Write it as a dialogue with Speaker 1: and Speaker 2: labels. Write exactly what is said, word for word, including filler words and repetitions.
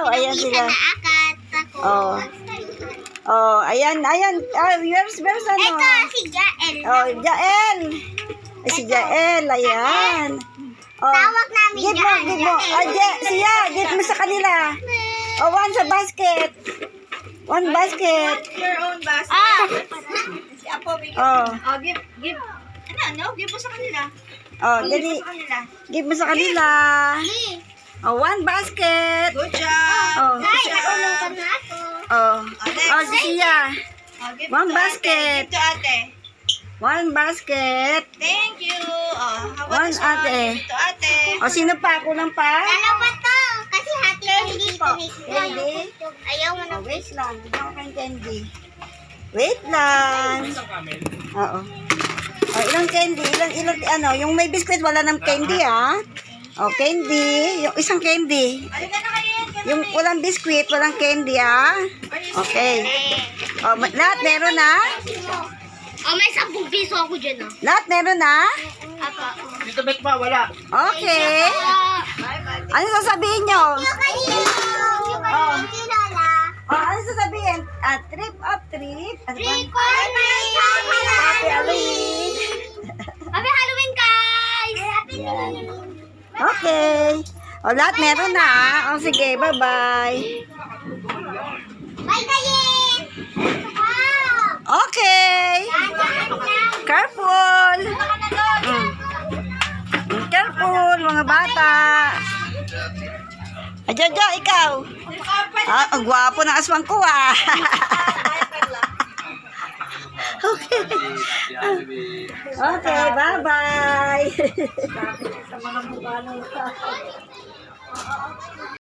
Speaker 1: Ayan sila.
Speaker 2: Naakat ako.
Speaker 1: Oh. Oh, ayan, ayan. Ah, where's, where's ano?
Speaker 2: Ito, si Jael.
Speaker 1: Oh, Jael. Ay, si Jael, ayan. Oh,
Speaker 2: Tawag namin
Speaker 1: give mo,
Speaker 2: Jael,
Speaker 1: give mo.
Speaker 2: Jael.
Speaker 1: Ah, Je, siya, give mo sa kanila. Oh, one sa basket. One basket.
Speaker 3: Your own basket.
Speaker 2: Ah!
Speaker 3: Si Apo, bigyan.
Speaker 1: Oh,
Speaker 3: Oh, give, give. Ano, ano? Give mo sa kanila.
Speaker 1: oh,
Speaker 3: Give
Speaker 1: dali.
Speaker 3: mo sa kanila.
Speaker 1: Give mo sa kanila. Oh, one basket.
Speaker 3: Good job.
Speaker 1: Oh,
Speaker 2: Ay, nakulong ka na ako.
Speaker 1: oh.
Speaker 3: next.
Speaker 1: Oh, si siya.
Speaker 3: Oh, give
Speaker 1: One
Speaker 3: to ate.
Speaker 1: basket.
Speaker 3: Give to ate.
Speaker 1: One basket.
Speaker 3: Thank you. Oh, how
Speaker 1: One
Speaker 3: about this one?
Speaker 1: ate.
Speaker 3: Give to ate.
Speaker 1: Oh, sino pa? Kulang pa?
Speaker 2: Dalawa to. Kasi hati ko hindi
Speaker 1: po.
Speaker 2: ko
Speaker 1: Candy?
Speaker 2: Ayaw mo na.
Speaker 1: Oh, wait lang. Bigyan ko kayong candy. Wait lang. Oo. Oh, ilang candy? Ilang, ilang, ano, yung may biscuit, wala ng candy, ah. Oh, candy. Yung isang candy.
Speaker 3: Halika na kayo.
Speaker 1: Yung walang biscuit, walang candy, ah. Okay. Oh, ma- lahat meron na?
Speaker 2: Oh, may sampung piso ako dyan, oh.
Speaker 1: Lahat meron na?
Speaker 2: Apa.
Speaker 4: Dito bet pa, wala.
Speaker 1: Okay. Ano sasabihin nyo?
Speaker 2: Yung kanino. Yung
Speaker 1: Oh.
Speaker 2: kanino kilala.
Speaker 1: Oh, ano sasabihin? Ah, trip of trip. Ano ba?
Speaker 2: Trick or treat.
Speaker 1: Happy Halloween.
Speaker 2: Happy Halloween, guys!
Speaker 1: Yan. Okay. O, lahat meron na. ah. O, sige. Bye-bye.
Speaker 2: Bye, Kayin! Wow!
Speaker 1: Okay. Careful. Mm. Mm, Careful, mga bata. Ajaja, ikaw. Ah, ang gwapo ng aswang ko, ah. Okay. Okay, bye-bye.